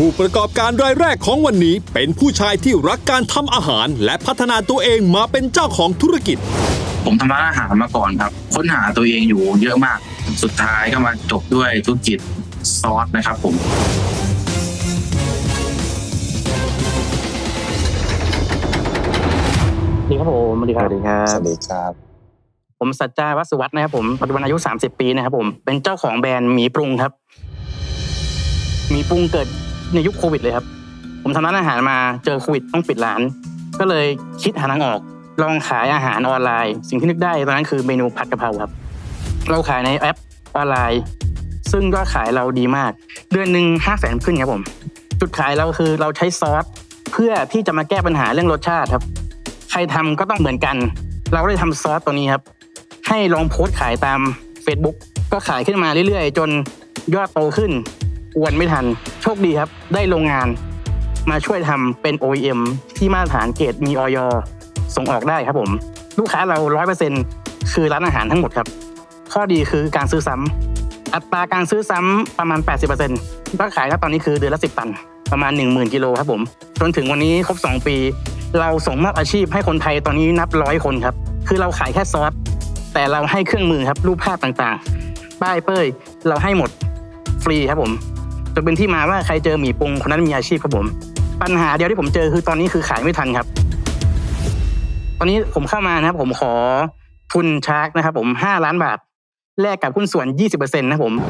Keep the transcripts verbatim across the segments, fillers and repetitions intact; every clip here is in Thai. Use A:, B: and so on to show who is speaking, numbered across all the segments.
A: ผู้ประกอบการรายแรกของวันนี้เป็นผู้ชายที่รักการทำอาหารและพัฒนาตัวเองมาเป็นเจ้าของธุรกิจ
B: ผมทำร้านอาหารมาก่อนครับค้นหาตัวเองอยู่เยอะมากสุดท้ายก็มาจบด้วยธุรกิจซอสนะครับผม
C: สวัสดีครับผมสวัสดีครับ
D: สวัสดีครับสวัสดีครับ
C: ผมสัจจาวัสวัฒน์นะครับผมปัจจุบันอายุสามสิบปีนะครับผมเป็นเจ้าของแบรนด์หมีปรุงครับหมีปรุงเกิดในยุคโควิดเลยครับผมทำร้านอาหารมาเจอโควิดต้องปิดร้านก็เลยคิดหาทางออกลองขายอาหารออนไลน์สิ่งที่นึกได้ตอนนั้นคือเมนูผัดกะเพราครับเราขายในแอปออนไลน์ซึ่งยอดขายเราดีมากเดือนหนึ่งห้าแสนขึ้นครับผมจุดขายเราคือเราใช้ซอสเพื่อที่จะมาแก้ปัญหาเรื่องรสชาติครับใครทำก็ต้องเหมือนกันเราก็เลยทำซอสตัวนี้ครับให้ลองโพสต์ขายตาม Facebook ก็ขายขึ้นมาเรื่อยๆจนยอดโตขึ้นอวนไม่ทันโชคดีครับได้โรงงานมาช่วยทำเป็น โอ อี เอ็ม ที่มาตรฐานเกรดมี อย. ส่งออกได้ครับผมลูกค้าเรา ร้อยเปอร์เซ็นต์ คือร้านอาหารทั้งหมดครับข้อดีคือการซื้อซ้ำอัตราการซื้อซ้ำประมาณ แปดสิบเปอร์เซ็นต์ ยอดขายครับตอนนี้คือเดือนละสิบตันประมาณ หนึ่งหมื่น กิโลครับผมจนถึงวันนี้ครบสองปีเราส่งมอบอาชีพให้คนไทยตอนนี้นับร้อยคนครับคือเราขายแค่ซอสแต่เราให้เครื่องมือครับรูปภาพต่างๆป้ายเป้ยเราให้หมดฟรีครับผมจนเป็นที่มาว่าใครเจอหมี่ปรุงคนนั้นมีอาชีพครับผมปัญหาเดียวที่ผมเจอคือตอนนี้คือขายไม่ทันครับตอนนี้ผมเข้ามานะครับผมขอทุนชาร์กนะครับผมห้าล้านบาทแลกกับหุ้นส่วน ยี่สิบเปอร์เซ็นต์ นะผม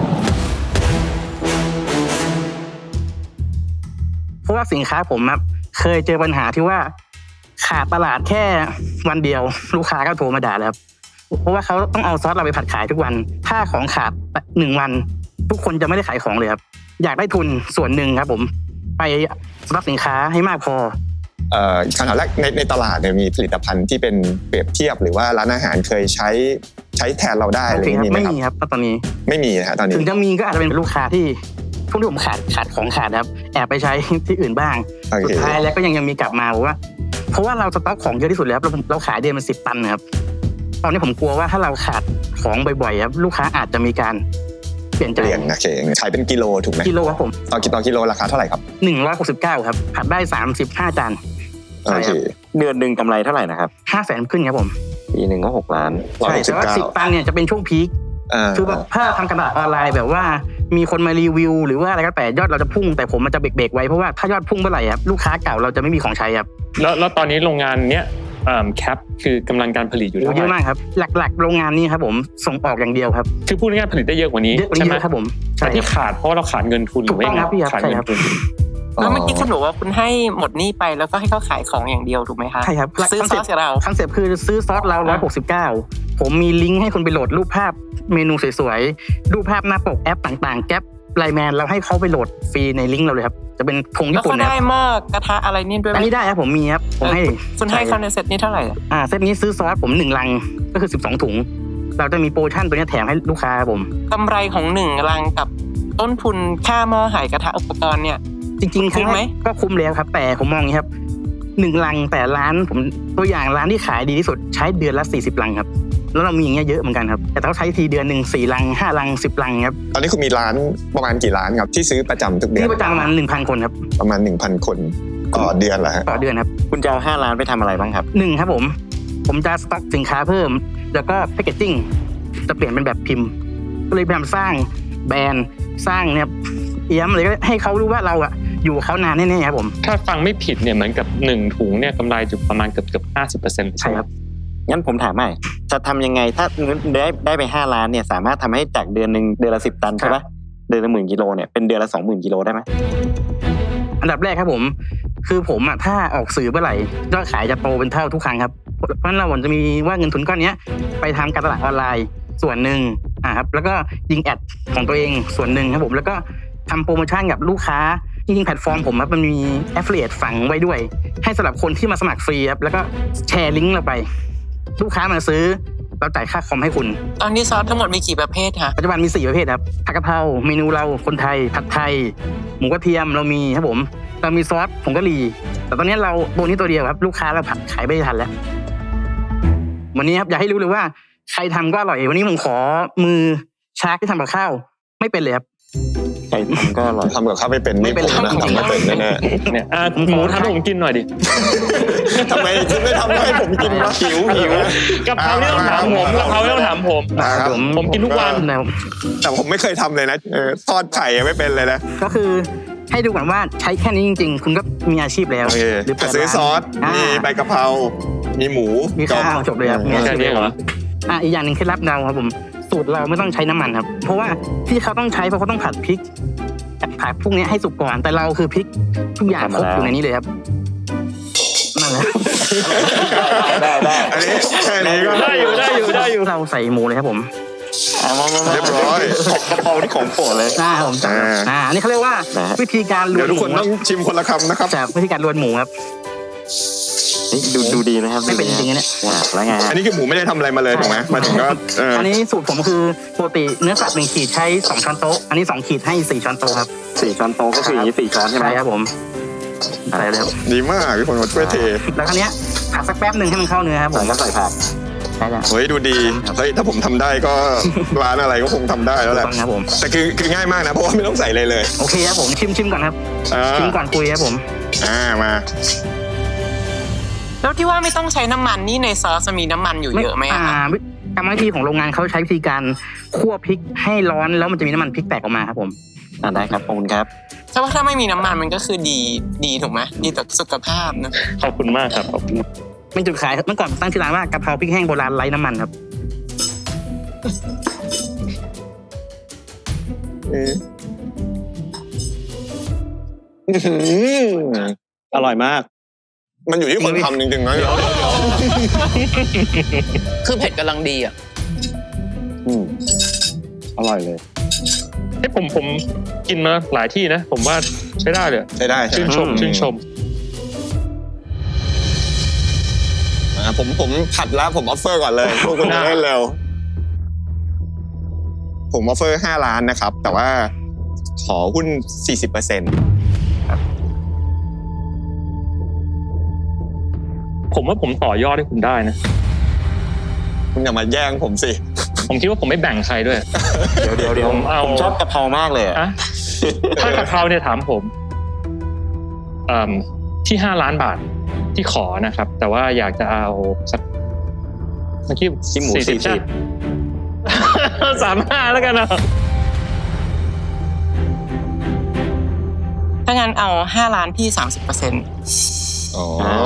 C: เพราะว่าสินค้าผมครับเคยเจอปัญหาที่ว่าขาดตลาดแค่วันเดียวลูกค้าก็โทรมาด่าแล้วครับเพราะว่าเขาต้องเอาซอสเราไปผัดขายทุกวันถ้าของขาดหนึ่งวันทุกคนจะไม่ได้ขายของเลยครับอยากได้ทุนส่วนหนึ่งครับผมไปรับสินค้าให้มากพอ
D: เอ่อคำถามแรกในในตลาดเนี่ยมีผลิตภัณฑ์ที่เป็นเปรียบเทียบหรือว่าร้านอาหารเคยใช้ใช้แทนเราได้อะไรอย่างนี้ไหมครับ
C: ไม่มีครับตอนนี้
D: ไม่มีนะฮะตอนนี้
C: ถึงจะมีก็อาจจะเป็นลูกค้าที่พวกที่ผมขาดขาดของขาดครับแอบไปใช้ที่อื่นบ้างสุดท้ายแล้วก็ยังยังมีกลับมาว่าเพราะว่าเราสต็อกของเยอะที่สุดแล้วเราเราขายเดือนมันสิบตันนะครับตอนนี้ผมกลัวว่าถ้าเราขาดของบ่อยๆครับลูกค้าอาจจะมีการเปลี่ยนใจ
D: เปลี่ยนนะเคขายเป็นกิโลถูกไหม
C: กิโลครับผม
D: ต่อกิโลกิโลราคาเท่าไหร่ครับ
C: หนึ่งร้อยหกสิบเก้าครับผัดได้สามสิบห้าจาน
D: โอเคเดือนนึงกำไรเท่าไหร่นะครับ
C: ห้าแสนขึ้นครับผม
D: ปีนึงก็หกล้าน
C: ใช่แต่ว่าสิบตันเนี่ยจะเป็นช่วงพีคคือแบบถ้าทำกระดาษออนไลน์แบบว่ามีคนมารีวิวหรือว่าอะไรก็แต่ยอดเราจะพุ่งแต่ผมมันจะเบรกๆไว้เพราะว่าถ้ายอดพุ่งเมื่อไหร่ครับลูกค้าเก่าเราจะไม่มีของใช้ครับ
E: แล้วแล้วตอนนี้โรงงานเนี้ยแคปคือกำลังการผลิตอยู่เท่าไหร่
C: เยอะมากครับหลักๆโรงงานนี้ครับผมส่งออกอย่างเดียวครับ
E: คือพูดง่ายๆผลิตได้เยอะกว่านี้
C: ใช่ไหมครับผม
E: แต่ที่ขาดเพราะเราขาดเงินทุนหรือว่าขาดเงินทุน
F: แล้วเมื่อกี้คุณบอกว่าคุณให้หมดหนี้ไปแล้วก็ให้เขาขายของอย่างเดียวถูกไหมคะ
C: ใช่ครับ
F: ซื้อซอสกับเรา
C: คอนเซ็ปต์คือซื้อซอสเราหนึ่งร้อยหกสิบเก้าผมมีลิงก์ให้คุณไปโหลดรูปภาพเมนูสวยๆรูปภาพหน้าปกแอปต่างๆแก๊ปไลน์แมนเราให้เขาไปโหลดฟรีในลิงก์เราเลยครับจะเป็นธงญี่ปุ่นนะ
F: แล้วเขาได้หม้อกระทะอะไรนี่ด้วย
C: อันนี้ได้ครับผมมีครับผมให้
F: คุณให้เขาในเซตนี้เท่าไหร่
C: อ่าเซตนี้ซื้อซอสผมหนึ่งลังก็คือสิบสองถุงเราจะมีโปรโมชั่นตัวนี้แถมให้ลูกค้าผม
F: กำไรของหนึ่งลังกับต้นทุนค่าหม้อหายกระทะอุปกรณ์เนี่ย
C: จริงๆคุ้มไหมก็คุ้มแล้วครับแต่ผมมองอย่างนี้ครับหนึ่งลังแต่ร้านผมตัวอย่างร้านที่ขายดีที่สุดใช้เดือนละสี่สิบลังครับแล้วเรามีอย่างเงี้ยเยอะเหมือนกันครับแต่เขาใช้ทีเดือนหนึ่งสี่ลังห้าลังสิบลังครับ
D: ตอนนี้คุณมีร้านประมาณกี่ร้านครับที่ซื้อประจำทุกเดือน
C: ที่ประจำประมาณ หนึ่งพัน คนครับ
D: ประมาณ หนึ่งพัน คนต่อเดือนเหรอฮะ
C: ต่อเดือนครับ
D: คุณจะเอาห้าล้านไปทำอะไรบ้างครับ
C: หนึ่งครับผมผมจะสต็อกสินค้าเพิ่มแล้วก็แพคเกจจิ้งจะเปลี่ยนเป็นแบบพิมพ์ก็เลยพยายามสร้างแบรนด์สร้างเนี่ยเอี้ยมเลยก็ให้เขารู้ว่าเราอะอยู่เขานานแน่ๆครับผม
E: ถ้าฟังไม่ผิดเนี่ยเหมือนกับหนึ่งถุงเนี่ยกำไรอยู่ประมาณเกือบเกือบห้าสิบเปอร์เซ็นต์
C: ใช่ครับ
D: งั้นผมถามใหม่จะทำยังไงถ้าได้ได้ไปห้าล้านเนี่ยสามารถทำให้จากเดือนนึงเดือนละสิบตันใช่ปะเดือนละหมื่นกิโลเนี่ยเป็นเดือนละสองหมื่นกิโลได้ไหม
C: อันดับแรกครับผมคือผมอะถ้าออกสื่อเมื่อไหร่ยอดขายจะโตเป็นเท่าทุกครั้งครับเพราะฉะนั้นเราจะมีว่าเงินทุนก้อนนี้ไปทำการตลาดออนไลน์ส่วนหนึ่งอ่ะครับแล้วก็ยิงแอดของตัวเองส่วนหนึ่งครับผมแล้วก็ทำโปรโมชั่นกับลูกค้าจริงๆแพลตฟอร์มผมครับมันมี affiliate ฝังไว้ด้วยให้สำหรับคนที่มาสมัครฟรีครับแล้วก็แชร์ลิงก์เราไปลูกค้ามาซื้อเราจ่ายค่าคอมให้คุณ
F: ตอนนี้ซอสทั้งหมดมีกี่ประเภทคะ
C: ปัจจุบันมีสี่ประเภทครับผัดกะเพราเมนูเราคนไทยผัดไทยหมูกระเทียมเรามีครับผมเรามีซอสผงกะหรี่แต่ตอนนี้เราตัวนี้ตัวเดียวครับลูกค้าเราผัดขายไม่ทันแล้ววันนี้ครับอยากให้รู้เลยว่าใครทำก็อร่อยวันนี้ผมขอมือชาร์กที่ทำกับข้าวไม่เป็นเลยครับ
D: ใครทำก็อร่อย
G: ทำกับข้าวไม่เป็นไม่ผมนะทำไม่เป็นแน่
E: เนี่ยอ่ะหมูทำให้ผมกินหน่อยดิ
G: ๆทำไมคุณไม่ทำให้ผมกินวะหิวหิว
E: กะเพราไม่ต้องถามผมกะเพราไม่ต้องถามผม
G: นะครับ
E: ผมกินทุกวัน
C: นะครับ
G: แต่ผมไม่เคยทำเลยนะเออทอดไข่ยังไม่เป็นเลยนะ
C: ก็คือให้ดูก่อนว่าใช้แค่นี้จริงๆ คุณก็มีอาชีพแล้ว
G: โอเค
C: หรือเปิด
G: ซื้อ
C: ร้าน
G: ซอส
C: า
G: มีใบกะเพรามีหมู
C: มีข้าวจบเลยครับมีอา
E: แค่
C: ชีพ
E: นี้เหรอ
C: อ่ะอีกอย่างหนึ่งเคล็ดลับเราครับผมสูตรเราไม่ต้องใช้น้ำมันครับ เพราะว่าที่เขาต้องใช้เพราะเขาต้องผัดพริกผัดพวกนี้ให้สุกก่อนแต่เราคือพริกทุกอย่างครบอยู่ในนี้เลยครับนั่นแหละ
D: ได้ได้
G: อันนี้แค่นี้ก็
E: ได้อยู่ได้อยู่ได้อยู่
C: เราใส่หมูเลยครับผม
D: เอามามามา
G: เรียบร้อย
D: กะเพราที่ของโปรดเลย
C: อ่าผมจำ
G: อ่า
C: อ่าอันนี้เขาเรียกว่า
D: นะฮะ
C: วิธีการล
G: เดี๋
C: วย
G: วน ทุก
C: ห
G: คน
C: มู
G: ต้องชิมคนละคำนะครับ
C: จากวิธีการลวนหมูครับ
D: นี่ดูดูดีนะครับ
C: ไม่เป็นจริงๆนะเนี่ย
D: อ่าแล้วไงฮะ
G: อันนี้คือหมูไม่ได้ทำอะไรมาเลยถูกไหมมาถึงก็เออ
C: อันนี้สูตรผมคือปกติเนื้อสัตว์หนึ่งขีดใช้สองช้อนโต๊ะอันนี้สองขีดให้สี่ช้อนโต๊ะครับ
D: สี่ช้อนโต๊ะก็คืออย่างนี้สี่ช้อนใช่ไหม
C: ใช่ครับผมอะไรเลยครับ
G: ดีมากพี่คนมาช่วยเท
C: แล้วคราวเนี้ยผัดสักแป๊บหนึ่งให้มันเข้าเนื้อครับผ
D: ใส่
C: ม
D: ก็ใส่ผัก
C: ใช่แล้ว
G: เฮ้ยดูดีเฮ้ยถ้าผมทำได้ก็ ร้านอะไรก็คงทำได้แล้วแหละ
C: ต้องครับผม
G: แต่คือคือง่ายมากนะเพราะว่าไม่ต้องใส่อะไรเลย
C: โอเคครับผมชิมชิมก่อนครับ
G: อ่า
C: ชิมก่อนคุยครับผม
G: อ่ามา
F: แล้วที่ว่าไม่ต้องใช้น้ำมันนี่ในซอสจะมีน้ำมันอยู่เยอะไหมอะ
C: อ่า
F: คะ
C: วิกรรมวิธีของโรงงานเขาใช้วิธีการคั่วพริกให้ร้อนแล้วมันจะมีน้ำมันพริกแตกออกมาครับผม
D: อ่าได้ครับขอบคุณครับ
F: แต่ว่าถ้าไม่มีน้ำมันมันก็คือดีดีถูกไหมดีต่อสุขภาพนะ
E: ขอบคุณมากครับขอบคุณ
C: เป็นจุดขายเมื่อก่อนตั้งชื่อร้านว่ากะเพราพริกแห้งโบราณไร้น้ำมันครับ
G: อื้อหืออร่อยมาก มันอยู่ที่คนทำจริงๆนะ
F: คือเผ็ดกำลังดีอ่ะ
D: อืมอร่อยเลย
E: ให้ผมผมกินมาหลายที่นะ ผมว่าใช้ได้เลย
G: ใช้ได้ใช่
E: ชื่น
G: ไหม
E: ชมชื่นชม
G: อ่าผมผมผัดแล้วผมออฟเฟอร์ก่อนเลยพวกคุณจะได้เร็ว ผมออฟเฟอร์ห้าล้านนะครับ แต่ว่าขอหุ้น สี่สิบเปอร์เซ็นต์
E: ผมว่าผมต่อยอดให้คุณได้นะ
G: คุณอย่ามาแย่งผมสิ
E: ผมคิดว่าผมไม่แบ่งใครด้วย
D: เดี๋ยวเดี๋ยวเดี๋ยว
E: ผมเอา
D: ผมชอบกะเพรามากเลยอะ
E: อะถ้ากะเพราเนี่ยถามผมเอ่มที่ห้าล้านบาทที่ขอนะครับ แต่ว่าอยากจะเอาสักเมื่อกี้
D: ที่หมู
E: สี่สิบ
D: สี่
E: ใช่
D: สิบ
E: สามห้าแล้วกันนะ
F: ถ้างั้นเอาห้าล้านพี่สามสิบเปอร์เซ็นต์
G: อ๋อ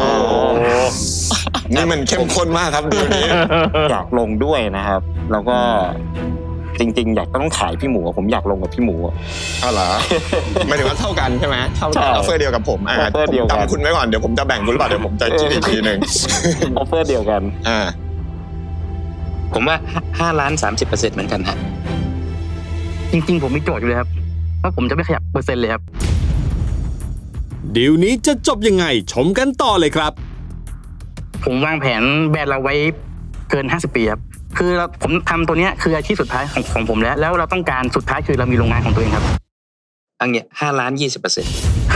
G: นี่มันเข้มข้นมากครับดูนี้
D: อยากลงด้วยนะครับ แล้วก็จริง ๆ อยากต้องขายพี่หมูอะผมอยากลงกับพี่หมูอะ
G: เอาเหรอหมายถึงว่าเท่ากันใช่ไหมเท่ากัน
D: ใช่
G: ออฟเฟอร์เดียวกับผมอ่า
D: ออฟเฟอร์
G: ผม
D: เดียวกัน
G: จำคุณไว้ก่อนเดี๋ยวผมจะแบ่งคุณหรือเปล่าเดี๋ยวผมจะคิดอีกทีหนึ่ง
D: ออฟเฟอร์เดียวกัน
G: อ่า
H: ผมว่าห้าล้านสามสิบเปอร์เซ็นต์เหมือนกันฮะ
C: จริงๆผมมีโจทย์อยู่เลยครับว่าผมจะไม่ขยับเปอร์เซ็นต์เลยครับ
A: ดีลนี้จะจบยังไงชมกันต่อเลยครับ
C: ผมวางแผนแบรนด์เราไว้เกินห้าสิบปีครับคือเราผมทำตัวเนี้ยคืออาชีพสุดท้ายของของผมแล้ว แล้วเราต้องการสุดท้ายคือเรามีโรงงานของตัวเองครับ
H: อันเนี้ยห้าล้านยี่สิบเปอร์เซ็นต์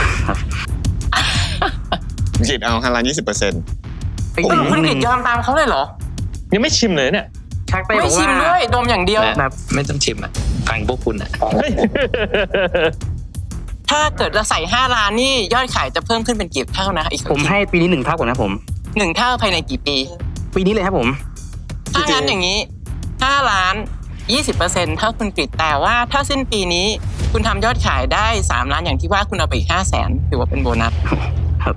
G: คิดเอาห้าล้านยี่สิบเปอร์เซ็นต์
C: ไป
F: เอ
C: อี
F: อก คุณ
C: นิด
F: กิ
C: นึ
F: จ
C: ง
F: ยอมตามเขาเลยเหรอ
E: ยังไม่ชิมเลยเนี่ย
C: ชักไปบ
F: ไม่
C: อก
F: ชิ
C: ว่าม
F: ด้วยดมอย่างเดียว
C: แบบ
H: ไม่ต้องชิมอ่ะฟังพวกคุณอ่ะ
E: เฮ้ย
F: ถ้าเกิดเราใส่ห้าล้านนี่ยอดขายจะเพิ่มขึ้นเป็นกี่เท่านะอีก
C: ผมให้ปีนี้หนึ่งเท่าก่อนนะผม
F: หนึ่งเท่าภายในกี่ปี
C: ปีนี้เลยครับผม
F: ถ้างั้นอย่างนี้ห้าล้านยี่สิบเปอร์เซ็นต์เท่าคุณกฤษแต่ว่าถ้าสิ้นปีนี้คุณทำยอดขายได้สามล้านอย่างที่ว่าคุณเอาไปอีกห้าแสนถือว่าเป็นโบนัส
C: ครับ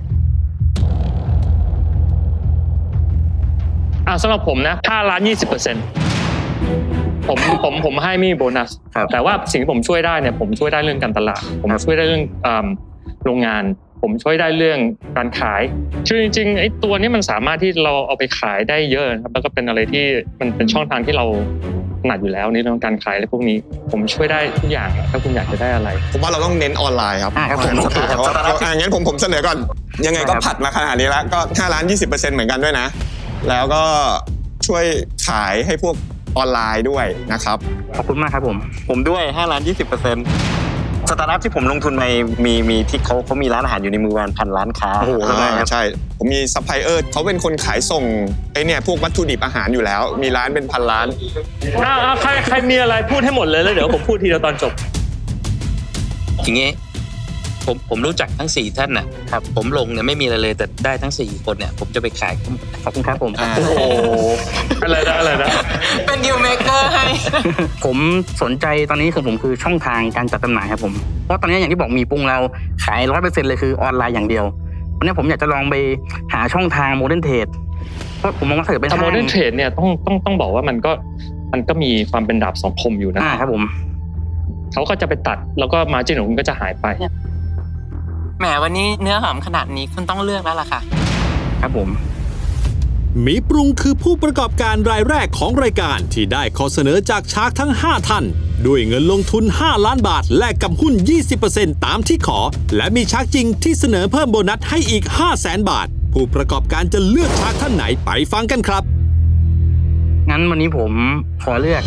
E: อ่าสำหรับผมนะห้าล้านยี่สิบเปอร์เซ็นต์ผมผมผมให้ไม่มีโบนัส
C: ครับ
E: แต่ว่าสิ่งที่ผมช่วยได้เนี่ยผมช่วยได้เรื่องการตลาด ผมช่วยได้เรื่องอ่าโรงงาน ผมช่วยได้เรื่องการขายคือจริงๆไอ้ตัวนี้มันสามารถที่เราเอาไปขายได้เยอะนะครับแล้วก็เป็นอะไรที่มันเป็นช่องทางที่เราถนัดอยู่แล้วในเรื่องการขายอะไรพวกนี้ ผมช่วยได้ทุกอย่างอะถ้าคุณอยากจะได้อะไร
G: ผมว่าเราต้องเน้นออนไลน์ครับ
C: อ่าครับผม
G: โอเคครับอ่างั้นผมผมเสนอก่อน ยังไงก็ผัดมาขนาดนี้แล้วก็ห้าล้านยี่สิบเปอร์เซ็นต์เหมือนกันด้วยนะ แล้วก็ช่วยขายให้พวกออนไลน์ด้วยนะครับ
C: ขอบคุณมากครับผม
D: ผมด้วยห้าล้านยี่สิบเปอร์เซ็นต์สตาร์ทอัพที่ผมลงทุนไปมีมีที่เขาเขามีร้านอาหารอยู่ในมือวันพันร้านค้า
G: โอ้โห
D: ใช่ไหมครับ
G: ใช่ ผมมีซัพพลายเออร์เขาเป็นคนขายส่งไอเนี่ยพวกวัตถุดิบอาหารอยู่แล้ว มีร้านเป็นพันร้าน
E: อ้าวอ้าวใครใครมีอะไรพูดให้หมดเลยแล้วเดี๋ยวผมพูดทีเดียวตอนจบ
H: อย่างงี้ผมผมรู้จักทั้งสี่ท่านน่ะครับผมลงเนี่ยไม่มีอะไรเลยแต่ได้ทั้งสี่คนเนี่ยผมจะไปขาย
C: ขอบคุณครับผม
D: อ่า
E: โอ้โหอะไรนะอะไรนะ
F: เป็นดีลเมเกอร์ให้
C: ผมสนใจตอนนี้คือผมคือช่องทางการจัดจำหน่ายครับผมเพราะตอนนี้อย่างที่บอกมีปรุงเราขายร้อยเปอร์เซ็นต์เลยคือออนไลน์อย่างเดียววันนี้ผมอยากจะลองไปหาช่องทางโมเดิร์นเทรดเพราะผมมองว่าถ้าเกิดเป็น
E: แต่
C: ห้าง
E: โมเดิร์นเทรดเนี่ยต้องต้องต้องบอกว่ามันก็มันก็มีความเป็นดาบสองคมอยู่นะ
C: อ่าครับผม
E: เขาก็จะไปตัดแล้วก็มาจิ้นของคุณก็จะหายไป
F: แหมวันนี้เนื้อหอมขนาดนี้คุณต้องเลือกแล้วล่ะค่ะ
C: ครับผม
A: หมีปรุงคือผู้ประกอบการรายแรกของรายการที่ได้ข้อเสนอจากชาร์กทั้งห้าท่านด้วยเงินลงทุนห้าล้านบาทแลกกับหุ้น ยี่สิบเปอร์เซ็นต์ ตามที่ขอ และมีชาร์กจริงที่เสนอเพิ่มโบนัสให้อีก ห้าแสนบาท ผู้ประกอบการจะเลือกชาร์กท่านไหนไปฟังกันครับ
C: งั้นวันนี้ผมขอเลือก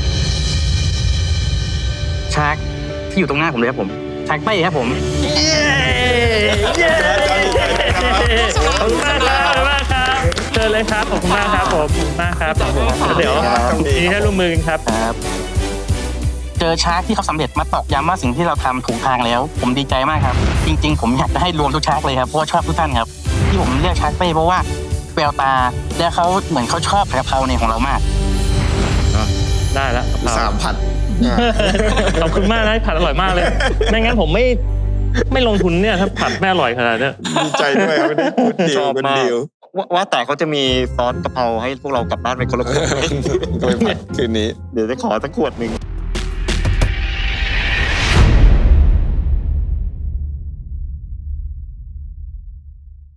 C: ชาร์กที่อยู่ตรงหน้าผมเลยครับผมชาร์กเป้ครับผม
E: ขอบคุณมากครับขอบคุณมากครับเชิญเลยครับขอบคุณมากครับผมขอบคุณมากครับเดี๋ยวนี้ให้ร่วมมือกันครับ
C: ครับเจอชาร์กที่เขาสำเร็จมาตอกย้ำว่าสิ่งที่เราทำถูกทางแล้ว ผมดีใจมากครับ จริงๆ ผมอยากจะให้รวมทุกชาร์กเลยครับเพราะว่าชอบทุกท่านครับ ที่ผมเลือกชาร์กเป้เพราะว่าแววตาและเขาเหมือนเขาชอบกะเพราในของเรามาก
E: ได้แล้ว
G: สามพัน
E: ขอบคุณมากนะผัดอร่อยมากเลยไม่งั้นผมไม่ไม่ลงทุนเนี่ยถ้าผัดไม่อร่อยขนาดเนี้ย
G: ดีใจด้วยครับวันนี้กูดดี
D: ช
G: ล
D: อบ
G: กูด
D: มาก
G: ดีล
D: ว่าว่าแต่เขาจะมีซอสกะเพราให้พวกเรากลับบ้านไปคนละขวด
G: ก็ไปผัดคืนนี้
D: เดี๋ยวจะขอสักขวดหนึ่ง